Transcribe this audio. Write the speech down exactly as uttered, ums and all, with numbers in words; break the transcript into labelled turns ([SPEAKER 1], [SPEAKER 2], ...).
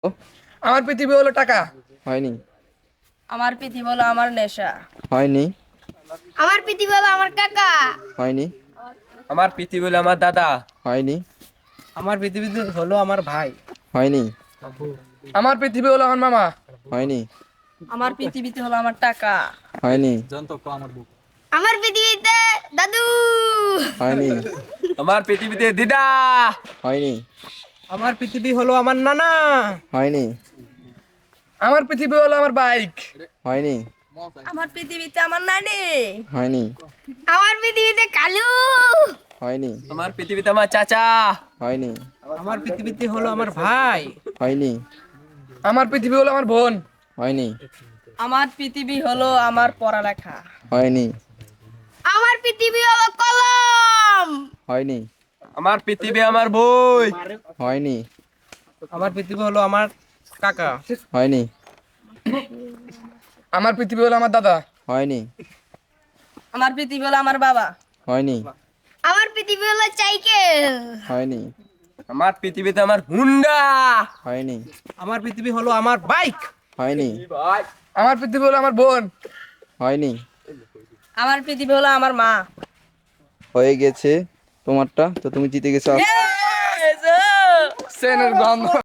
[SPEAKER 1] আমার পৃথিবী হলো টাকা।
[SPEAKER 2] হয়নি।
[SPEAKER 3] আমার পৃথিবী হলো আমার নেশা।
[SPEAKER 2] হয়নি।
[SPEAKER 4] আমার পৃথিবী হলো আমার কাকা।
[SPEAKER 2] হয়নি।
[SPEAKER 1] আমার পৃথিবী হলো আমার দাদা।
[SPEAKER 2] হয়নি।
[SPEAKER 1] আমার পৃথিবীতে হলো আমার ভাই।
[SPEAKER 2] হয়নি।
[SPEAKER 1] আমার পৃথিবী হলো আমার মামা।
[SPEAKER 2] হয়নি।
[SPEAKER 3] আমার পৃথিবীতে হলো আমার টাকা।
[SPEAKER 2] হয়নি।
[SPEAKER 4] আমার পৃথিবীতে দাদু।
[SPEAKER 2] হয়নি।
[SPEAKER 1] আমার পৃথিবীতে দিদা।
[SPEAKER 2] হয়নি।
[SPEAKER 1] আমার পৃথিবী হলো আমার নানা।
[SPEAKER 2] হয়নি।
[SPEAKER 1] আমার পৃথিবী হলো আমার বাইক।
[SPEAKER 2] হয়নি।
[SPEAKER 3] আমার পৃথিবীতে আমার নানি।
[SPEAKER 2] হয়নি।
[SPEAKER 4] আমার পৃথিবীতে কালু।
[SPEAKER 2] হয়নি।
[SPEAKER 1] আমার পৃথিবীতে আমার চাচা।
[SPEAKER 2] হয়নি।
[SPEAKER 1] আমার পৃথিবীতে হলো আমার ভাই।
[SPEAKER 2] হয়নি।
[SPEAKER 1] আমার পৃথিবী হলো আমার বোন।
[SPEAKER 2] হয়নি।
[SPEAKER 3] আমার পৃথিবী হলো আমার পড়ালেখা।
[SPEAKER 2] হয়নি।
[SPEAKER 4] আমার পৃথিবী হলো কলম।
[SPEAKER 2] হয়নি।
[SPEAKER 1] আমার পৃথিবী আমার বই।
[SPEAKER 2] হয়নি।
[SPEAKER 1] আমার পৃথিবী হলো আমার কাকা।
[SPEAKER 2] হয়নি।
[SPEAKER 1] আমার পৃথিবী হলো আমার দাদা।
[SPEAKER 2] হয়নি।
[SPEAKER 3] আমার পৃথিবী হলো আমার বাবা।
[SPEAKER 2] হয়নি।
[SPEAKER 4] আমার পৃথিবী হলো সাইকেল।
[SPEAKER 2] হয়নি।
[SPEAKER 1] আমার পৃথিবীতে আমার হুন্ডা।
[SPEAKER 2] হয়নি।
[SPEAKER 1] আমার পৃথিবী হলো আমার বাইক।
[SPEAKER 2] হয়নি।
[SPEAKER 1] আমার পৃথিবী হলো আমার বোন।
[SPEAKER 2] হয়নি।
[SPEAKER 3] আমার পৃথিবী হলো আমার মা।
[SPEAKER 2] হয়ে গেছে তোমারটা, তো তুমি জিতে গেছো।
[SPEAKER 1] সেনের গন্ধ।